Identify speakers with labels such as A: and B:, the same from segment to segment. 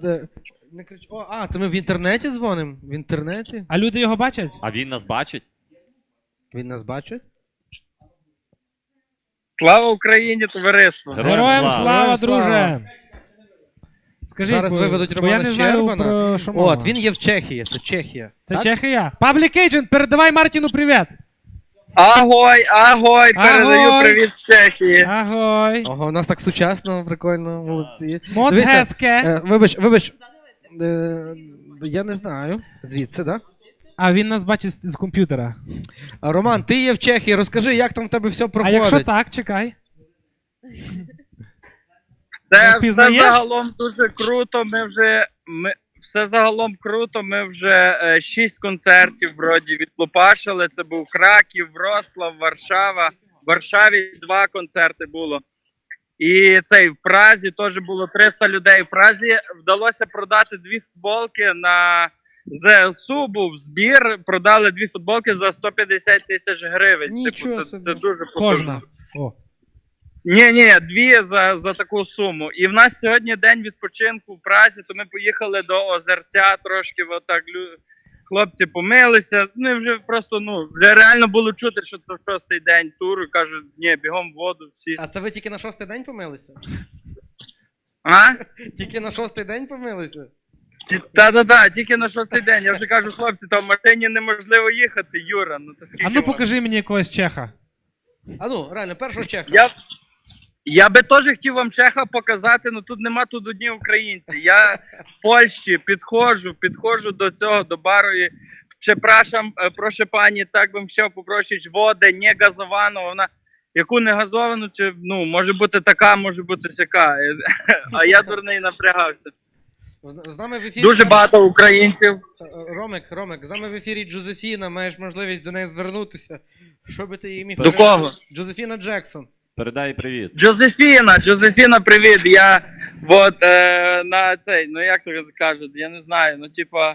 A: Не крич... це ми в інтернеті дзвонимо? В інтернеті?
B: А люди його бачать?
C: А він нас бачить?
A: Він нас бачить?
D: Слава Україні, товариство!
B: Героям слава,
A: Героям слава.
B: друже! Скажіть,
A: Зараз виведуть
B: бо я
A: Романа
B: не знаю,
A: Щербана.
B: про що мова.
A: Він є в Чехії, це Чехія.
B: Це
A: так?
B: Чехія. Public Agent, передавай Мартіну привіт!
D: Агой, агой, передаю
B: Агой.
D: привіт з Чехії.
B: Агой!
A: Ого, у нас так сучасно, прикольно, молодці.
B: Моц
A: Дивися,
B: геске!
A: Вибач. Я не знаю. Звідси, так?
B: А він нас бачить з комп'ютера.
A: Роман, ти є в Чехії, розкажи, як там в тебе все
B: А
A: проходить.
B: якщо так, чекай.
D: Це
B: Впізнаєш?
D: все загалом дуже круто. Все загалом круто. Ми вже 6 концертів вроді відлупашили. Це був Краків, Вроцлав, Варшава. В Варшаві 2 концерти було. І в Празі теж було 300 людей. В Празі вдалося продати 2 футболки на ЗСУ. Був збір, продали 2 футболки за 150 тисяч гривень.
A: Нічого
D: Типу,
A: собі.
D: це дуже
B: Кожна. О.
D: Ні, 2 за таку суму. І в нас сьогодні день відпочинку в Празі, то ми поїхали до Озерця трошки, отак хлопці помилися. Ну і вже просто, вже реально було чути, що це 6-й день туру. Кажуть, ні, бігом в воду всі.
A: А це ви тільки на 6-й день помилися?
D: А?
A: Тільки на 6-й день помилися?
D: Та-та-та, тільки на 6-й день. Я вже кажу, хлопці, там в машині неможливо їхати, Юра. Та скільки
B: А ну
D: можна?
B: покажи мені якогось чеха.
A: Реально, першого Чеха.
D: Я би теж хотів вам Чеха показати, але тут нема тут одні українці. Я в Польщі підходжу до цього, до бару і przepraszam, proszę пані, так би хотів попросити води, не газовану, вона яку не газовану, чи, може бути така, може бути всяка. А я дурний напрягався.
A: З нами в ефірі...
D: Дуже багато українців.
A: Ромик, з нами в ефірі Джозефіна, маєш можливість до неї звернутися. Що би ти їй міг
D: До кого?
A: Джозефіна Джексон.
C: Передай привіт.
D: Джозефіна, привіт. Я на цей, як то кажуть, я не знаю,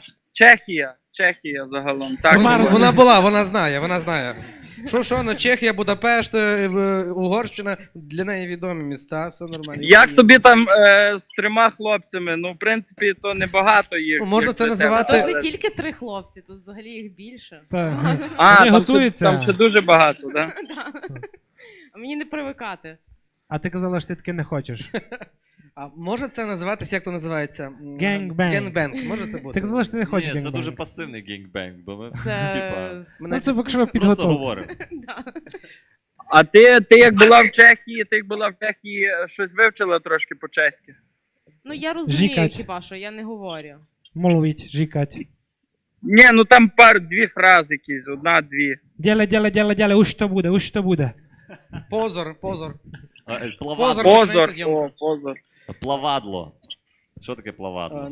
D: Чехія загалом. Так.
A: Вона була, вона знає. Що, Чехія, Будапешт, Угорщина, для неї відомі міста, все нормально.
D: Як тобі там з 3 хлопцями? В принципі, то небагато їх.
A: Можна це
E: А
A: називати...
E: тут не тільки 3 хлопці, тут взагалі їх більше.
B: Так.
D: Вони
B: Вони готуються.
D: Там ще дуже багато, так?
E: А мені не привикати.
B: А ти казала, що ти таке не хочеш.
A: А може це називатися, як то називається?
B: Генгбенг.
A: Генгбенг, може це бути?
B: Ти казала, що ти не хочеш
C: Ні, це
B: генгбенг.
C: дуже пасивний гейнгбенг, бо ми,
E: Це...
B: Ну це якщо
C: просто
B: підготовка.
C: говоримо.
D: А ти як була в Чехії, щось вивчила трошки по-чеськи?
E: Ну я розумію
B: Жікать.
E: хіба що, я не говорю.
B: Мовить, жікать.
D: Ні, там 2 фрази якісь, 1-2.
B: Дяля, уж то буде.
A: Позор.
C: Позор.
D: Позор, позор.
C: Плавадло. Що таке плавадло?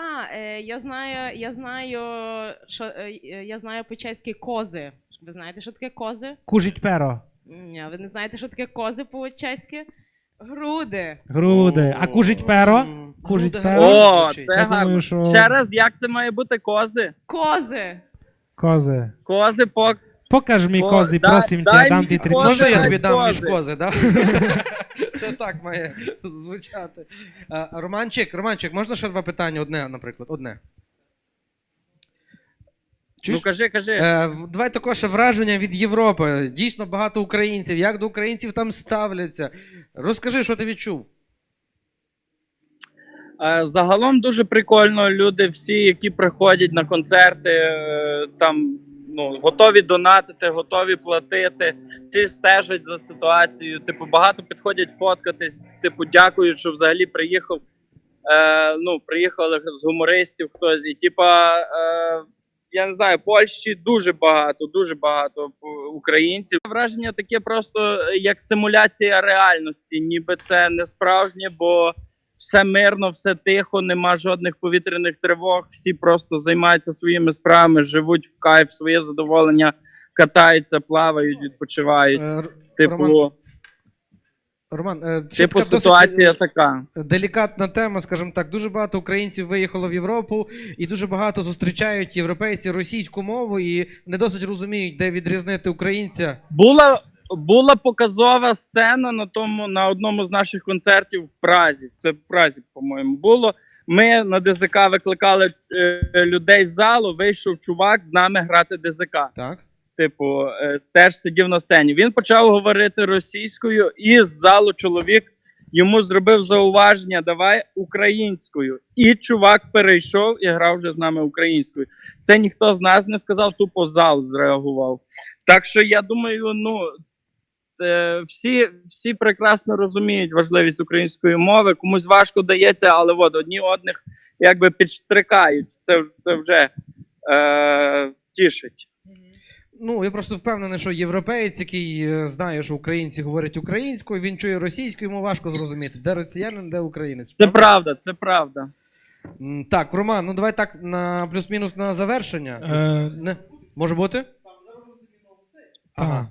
E: Я знаю по-чеськи кози. Ви знаєте, що таке кози?
B: Кужить перо.
E: Ні, ви не знаєте, що таке кози по-чеськи? Груди.
B: Груди. А кужить перо? Кужить
A: Груди
B: перо?
D: О,
A: звучить.
D: це
B: Я думаю,
D: гарно.
B: що-
D: Ще раз, як це має бути? Кози?
E: Кози.
B: Кози.
D: Кози
B: Покаж мій кози, просим
D: дай
B: тебе, дам
D: мені
B: ті 3
D: кози.
A: Можна я
D: Кози.
A: тобі дам між
D: Кози.
A: кози, так? Це так має звучати. Романчик, можна ще 2 питання? Одне, наприклад, одне.
D: Ну кажи.
A: Давай також ще враження від Європи. Дійсно багато українців. Як до українців там ставляться? Розкажи, що ти відчув.
D: Загалом дуже прикольно. Люди всі, які приходять на концерти, там готові донатити, готові платити, всі стежать за ситуацією. Багато підходять фоткатись, дякують, що взагалі приїхав. Приїхали з гумористів хтось. І я не знаю, Польщі дуже багато українців. Враження таке просто як симуляція реальності, ніби це не справжнє, бо все мирно, все тихо, нема жодних повітряних тривог, всі просто займаються своїми справами, живуть в кайф, своє задоволення, катаються, плавають, відпочивають.
A: Роман, досить
D: ситуація така.
A: делікатна тема, скажімо так. Дуже багато українців виїхало в Європу і дуже багато зустрічають європейці російську мову і не досить розуміють, де відрізнити українця.
D: Була показова сцена на одному з наших концертів в Празі. Це в Празі, по-моєму, було. Ми на ДЗК викликали людей з залу, вийшов чувак з нами грати ДЗК.
A: Так.
D: Типу, теж сидів на сцені. Він почав говорити російською, і з залу чоловік йому зробив зауваження, давай українською. І чувак перейшов і грав вже з нами українською. Це ніхто з нас не сказав, тупо зал зреагував. Так що я думаю, всі прекрасно розуміють важливість української мови. Комусь важко дається, але от одні одних якби підштрикають. Це вже тішить.
A: Ну, я просто впевнений, що європеєць, який знає, що українці говорять українською, він чує російською, йому важко зрозуміти, де росіянин, де українець.
D: Це правда, це правда.
A: Так, Роман, ну давай так на плюс-мінус на завершення. Не? Може бути? Ага.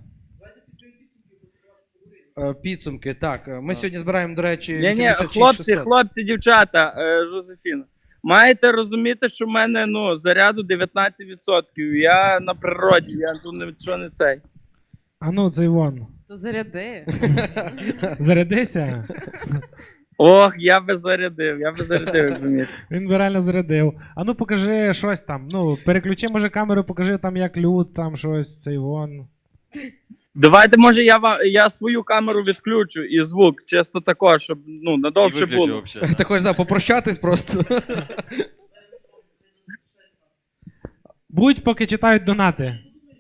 A: Підсумки, так. Ми сьогодні збираємо, до речі, 86
D: хлопці, дівчата, Жозефіна. Маєте розуміти, що в мене заряду 19%. Я на природі, я тут нічого не цей.
B: А ну, цей вон.
E: То заряди.
B: Зарядися.
D: Ох, я би зарядив, як розумієте.
B: Він би реально зарядив. А ну покажи щось там. Ну, переключи, може, камеру, покажи там, як люд, там щось, цей вон.
D: Давайте, може, я свою камеру відключу і звук, чисто тако, щоб надовше було.
A: Ти хочеш попрощатись просто?
B: Будь, поки читають донати.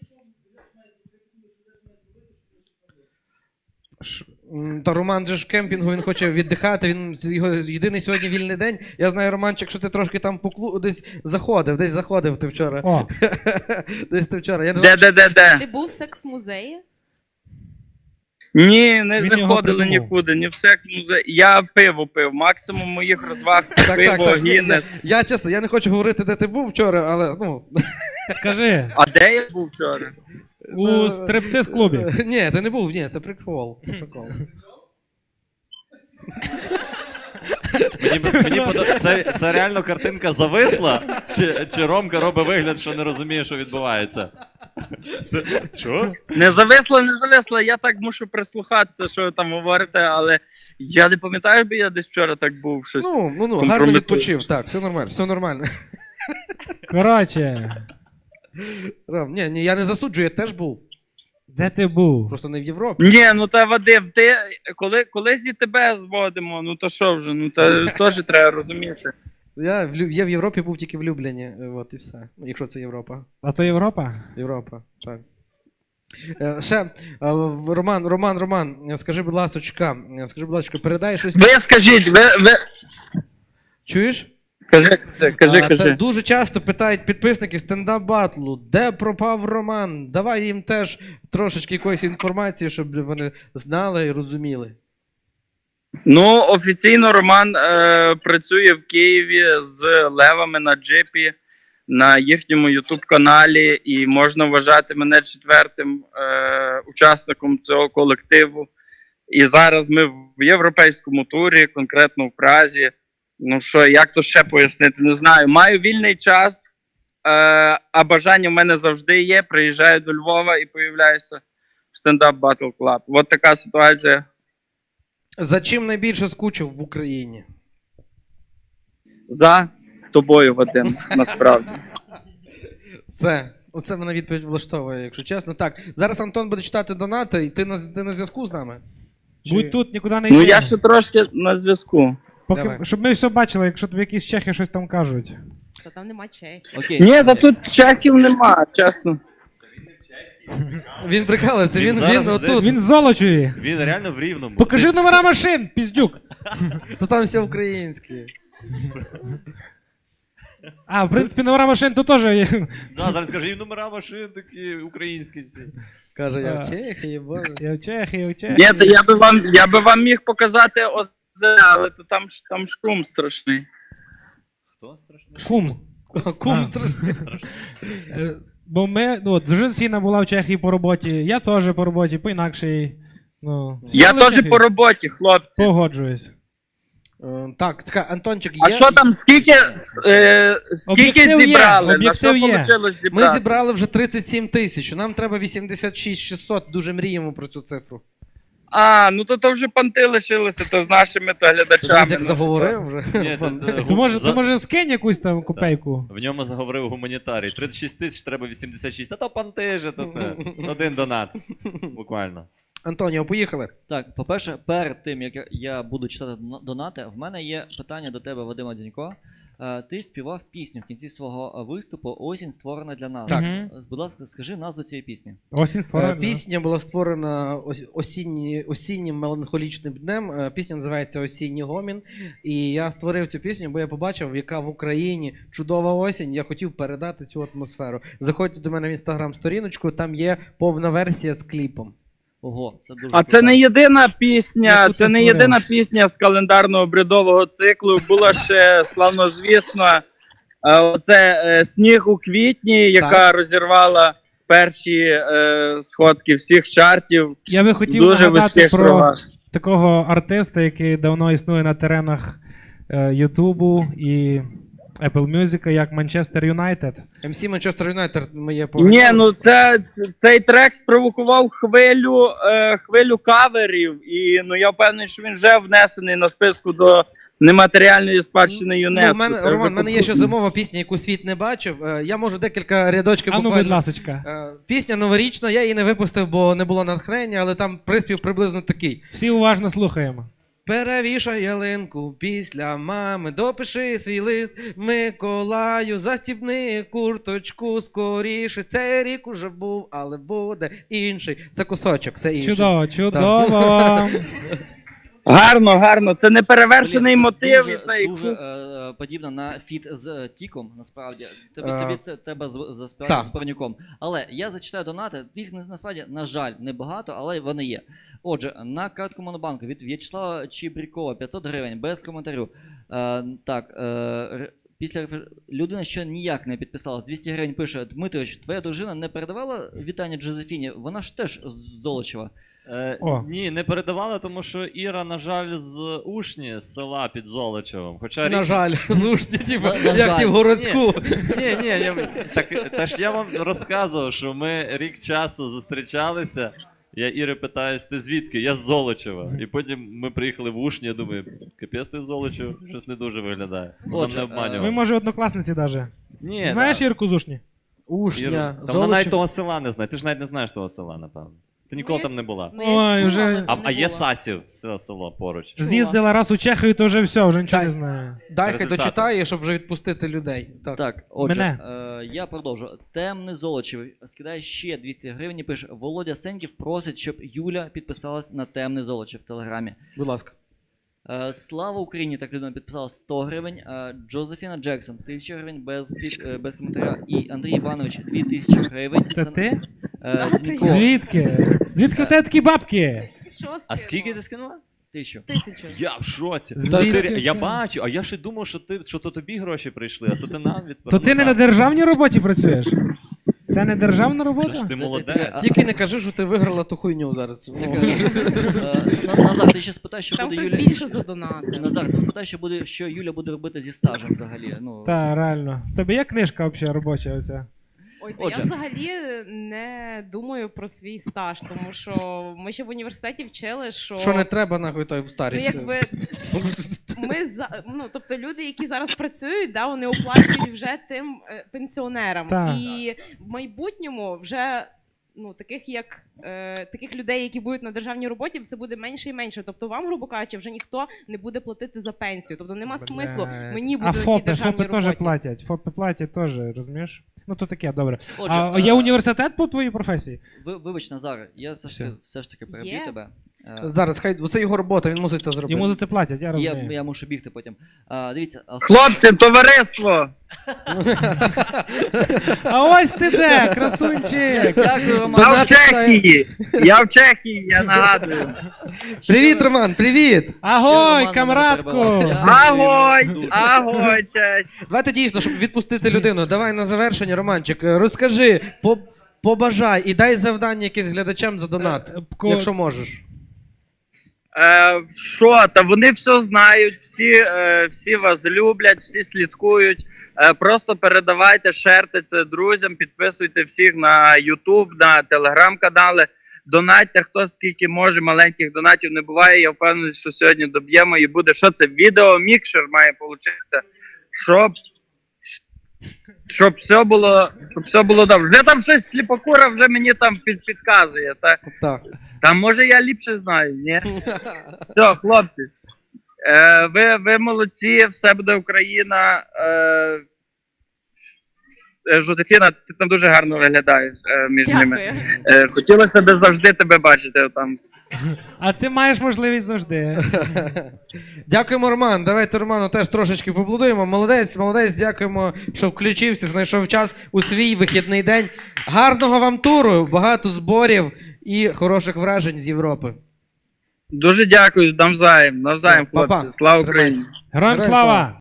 A: Та Роман же ж в кемпінгу, він хоче віддихати, його єдиний сьогодні вільний день. Я знаю, Романчик, що ти трошки там десь заходив ти вчора.
B: О.
A: Десь ти вчора. Я не
D: Де?
E: Ти був в секс-музеї?
D: Ні, не
B: Він його
D: заходили
B: придумав.
D: нікуди, ні в секс-музей. Я пиво пив, максимум моїх розваг це пиво, гінес.
A: Я чесно, я не хочу говорити, де ти був вчора, але
B: Скажи,
D: А де я був вчора?
B: у стриптиз-клубі.
A: Ні, ти не був, ні, це прикол. Це прикол.
C: Це реально картинка зависла? Чи Ромка робить вигляд, що не розуміє, що відбувається? Що?
D: Не зависло, я так мушу прислухатися, що ви там говорите, але я не пам'ятаю, бо я десь вчора так був щось.
A: Гарно відпочив, так, все нормально.
B: Коротше,
A: Ром, ні, я не засуджую, я теж був.
B: де ти був?
A: Просто не в Європі.
D: Ні, та Вадим, ти колись і тебе зводимо, то що вже, теж треба розуміти.
A: Я в Європі був тільки в Любліні, от і все. Якщо це Європа.
B: А то Європа?
A: Європа, так. Ще, Роман, скажи, будь ласочка, передай щось.
D: Ви скажіть, ви...
A: Чуєш?
D: Кажи.
A: Дуже часто питають підписники стендап-батлу, де пропав Роман? Давай їм теж трошечки якоїсь інформації, щоб вони знали і розуміли.
D: Офіційно Роман працює в Києві з левами на джипі на їхньому ютуб-каналі, і можна вважати мене четвертим учасником цього колективу. І зараз ми в європейському турі, конкретно в Празі. Як то ще пояснити, не знаю. Маю вільний час, а бажання в мене завжди є. Приїжджаю до Львова і появляюся в Stand Up Battle Club. От така ситуація.
A: За чим найбільше скучив в Україні?
D: За тобою, Вадим, насправді.
A: Все. Оце мене відповідь влаштовує, якщо чесно. Так, зараз Антон буде читати донати, і ти на зв'язку з нами?
B: Будь тут, нікуди не йди.
D: Я ще трошки на зв'язку.
B: Щоб ми все бачили, якщо тобі якісь чехи щось там кажуть.
E: Та там нема чехів.
C: Окей.
D: Ні, та тут чехів нема, чесно.
A: Він прикалується,
C: Він
A: він
C: зараз
A: отут.
C: десь-
B: Він з Золочеві.
C: Він реально в Рівному.
B: Покажи номера машин, піздюк.
A: То там все українське.
B: А, в принципі, номера машин то теж є.
C: Зараз скажи, і номера машин такі українські всі.
A: Каже, я в Чехії, боже.
B: Я в Чехії,
D: Ні, та я би вам міг показати озера, але то там шум страшний.
C: Хто страшний?
B: Кум.
A: Кум
C: Страшний.
B: Бо ми, Жозефіна була в Чехії по роботі, я теж по роботі, по інакшій.
D: Я теж по роботі, хлопці.
B: Погоджуюсь.
A: Так, чекай, Антончик,
D: А що там, скільки
B: Об'єктив є,
D: зібрали? На що
B: об'єктив є.
D: вийшло
A: Ми
D: зібрати?
A: зібрали вже 37 тисяч, нам треба 86 600, дуже мріємо про цю цифру.
D: Ну то вже понти лишилися, то з нашими то глядачами.
A: Дивись, як
D: Ну,
A: заговорив вже.
C: Ні,
B: То може скинь якусь там копейку.
C: В ньому заговорив гуманітарій. 36 тисяч, треба 86. Та то понти же, то те. Один донат. Буквально.
A: Антоніо, поїхали.
F: Так, по-перше, перед тим, як я буду читати донати, в мене є питання до тебе, Вадима Дзінько. Ти співав пісню в кінці свого виступу «Осінь створена для нас».
A: Так.
F: Будь ласка, скажи назву цієї пісні.
B: Осінь створена.
A: Пісня була створена осіннім меланхолічним днем. Пісня називається «Осінній гомін». І я створив цю пісню, бо я побачив, яка в Україні чудова осінь. Я хотів передати цю атмосферу. Заходьте до мене в інстаграм-сторіночку, там є повна версія з кліпом.
F: Ого, це дуже
D: А це не єдина пісня,
B: Яку
D: це
B: ти
D: не
B: створив?
D: єдина пісня з календарного бредового циклу. Була ще славнозвісна оце «Сніг у квітні», яка розірвала перші сходки всіх чартів.
B: Я би хотів
D: Дуже
B: нагадати
D: вузьких
B: про
D: рогах.
B: такого артиста, який давно існує на теренах Ютубу і Apple Music, як Манчестер Юнайтед.
A: МС Манчестер Юнайтед моє
D: Ні, ну цей трек спровокував хвилю каверів, і я впевнений, що він вже внесений на списку до нематеріальної спадщини ЮНЕСКО.
A: в мене, Роман, в мене є ще зимова пісня, яку світ не бачив. Я можу декілька рядочків
B: А ну,
A: буквально.
B: будь ласочка.
A: Пісня новорічна, я її не випустив, бо не було натхнення, але там приспів приблизно такий.
B: Всі уважно слухаємо.
A: Перевішай ялинку після мами, допиши свій лист Миколаю, застібни курточку скоріше. Цей рік уже був, але буде інший. Це кусочок, це інший.
B: Чудово, чудово.
D: Гарно, гарно. Це не перевершений
F: Блін, це
D: мотив.
F: дуже,
D: І цей
F: дуже подібно на фіт з Тіком, насправді. Тобі це треба заспівати
A: Так.
F: з Парнюком. Але я зачитаю донати, їх насправді, на жаль, небагато, але вони є. Отже, на картку Монобанку від В'ячеслава Чібрікова 500 гривень, без коментарю. Після людина, що ніяк не підписалась, 200 гривень пише: Дмитрович, твоя дружина не передавала вітання Джозефіні? Вона ж теж з Золочева.
B: О.
C: Ні, не передавали, тому що Іра, на жаль, з Ушні, з села під Золочевом. Хоча
A: На жаль, зушті, типу,
F: На
A: як
F: жаль.
A: ті в городську.
C: Ні, та ж я вам розказував, що ми рік часу зустрічалися. Я Іри питаюсь, ти звідки? Я з Золочева. І потім ми приїхали в Ушні, я думаю, капець ти з Золочева, щось не дуже виглядає. Нам
F: Отже,
C: не обманював.
B: Ви, може, однокласниці даже.
C: Ні,
B: Знаєш Ірку Зушні?
A: Ушня,
C: Та вона навіть
A: Золочів.
C: того села не знає. Ти ж навіть не знаєш того села, напевно. Ти ніколи
E: Ну,
C: там не була.
E: Ну, я
B: Ой,
E: чула,
B: вже-
E: але там
C: А
E: не
C: є
E: була.
C: Сасів, село поруч.
E: Чула.
B: З'їздила раз у Чехію, то вже все, вже нічого
A: Так.
B: не знаю.
A: Дай хай
C: Результати.
A: дочитає, щоб вже відпустити людей. Так.
F: Так, отже,
B: Мене.
F: я продовжу. Темний Золочів скидає ще 200 гривень і пише: Володя Сеньків просить, щоб Юля підписалась на Темний Золочів в Телеграмі.
A: Будь ласка.
F: Слава Україні, так людина підписала 100 гривень. Джозефіна Джексон 1000 гривень без коментаря. І Андрій Іванович 2000 гривень.
B: Це ти?
F: Дзінько,
B: Звідки? Звідки в тебе такі бабки?
E: Що
C: А
E: скинула?
C: скільки ти скинула?
F: 1000.
E: 1000.
C: Я в шоці.
B: Звідки
C: Я
B: ти?
C: бачу, а я ще думав, що то тобі гроші прийшли, а то ти нам
B: То ти не на державній роботі працюєш? Це не державна
C: Що ж
B: робота?
C: ти молодець.
A: Тільки не кажи, що ти виграла ту хуйню зараз. Ну.
F: Назар, ти ще спитай, що
E: Там
F: буде
E: хтось
F: Юля.
E: більше задонатив.
F: Назар, ти спитай, що Юля буде робити зі стажем взагалі. Ну,
B: Так, реально. Тобі є книжка взагалі робоча оця?
E: Ой, та
F: Отже.
E: я взагалі не думаю про свій стаж, тому що ми ще в університеті вчили, що,
A: Що не треба, нахуй, той в
E: ну,
A: старість.
E: якби тобто люди, які зараз працюють, да, вони оплачують вже тим пенсіонерам.
B: Так.
E: І в майбутньому вже таких людей, які будуть на державній роботі, все буде менше і менше. Тобто вам, грубо кажучи, вже ніхто не буде платити за пенсію. Тобто нема смислу мені бути
B: А
E: на тій
B: ФОПи
E: державній
B: теж
E: роботі.
B: платять. ФОПи платять теж, розумієш? Ну то таке, добре.
F: Отже,
B: А є університет по твоїй професії?
F: Вибач, Назар, я все ж таки переб'ю
E: Є.
F: тебе.
A: Зараз, хай це його робота, він мусить це зробити.
B: Йому за це платять, я розумію.
F: Я мушу бігти потім. Дивіться,
D: Хлопці, товариство!
B: А ось ти де, красунчик!
F: дякую, Роман.
D: Я в Чехії! Я нагадую.
A: Привіт, Роман, привіт!
B: Агой,
F: Роман
B: камрадку!
F: мене перебивав.
D: Агой!
F: Дуже.
D: Агой, честь!
A: Давайте дійсно, щоб відпустити людину. Давай на завершення, Романчик, розкажи, побажай і дай завдання якесь глядачам за донат, якщо можеш.
D: Що, та вони все знають, всі вас люблять, всі слідкують. Просто передавайте, шерте це друзям, підписуйте всіх на YouTube, на телеграм-канали. донатьте, хто скільки може, маленьких донатів не буває. Я впевнений, що сьогодні доб'ємо і буде. Що це? Відеомікшер має получитися, щоб все було добре. Вже там щось сліпокура вже мені там підказує.
A: Так.
D: Та може я ліпше знаю, ні? Все, хлопці. Ви молодці, все буде Україна. Жозефіна, ти там дуже гарно виглядаєш між ними. Хотілося б завжди тебе бачити там.
B: А ти маєш можливість завжди.
A: Дякуємо, Роман. Давайте Роману теж трошечки поаплодуємо. Молодець, молодець, дякуємо, що включився, знайшов час у свій вихідний день. Гарного вам туру, багато зборів і хороших вражень з Європи.
D: Дуже дякую, навзаєм,
A: Все, па-па.
D: хлопці. Слава Україні!
A: Тримайся.
B: Героям
A: Героям
B: слава!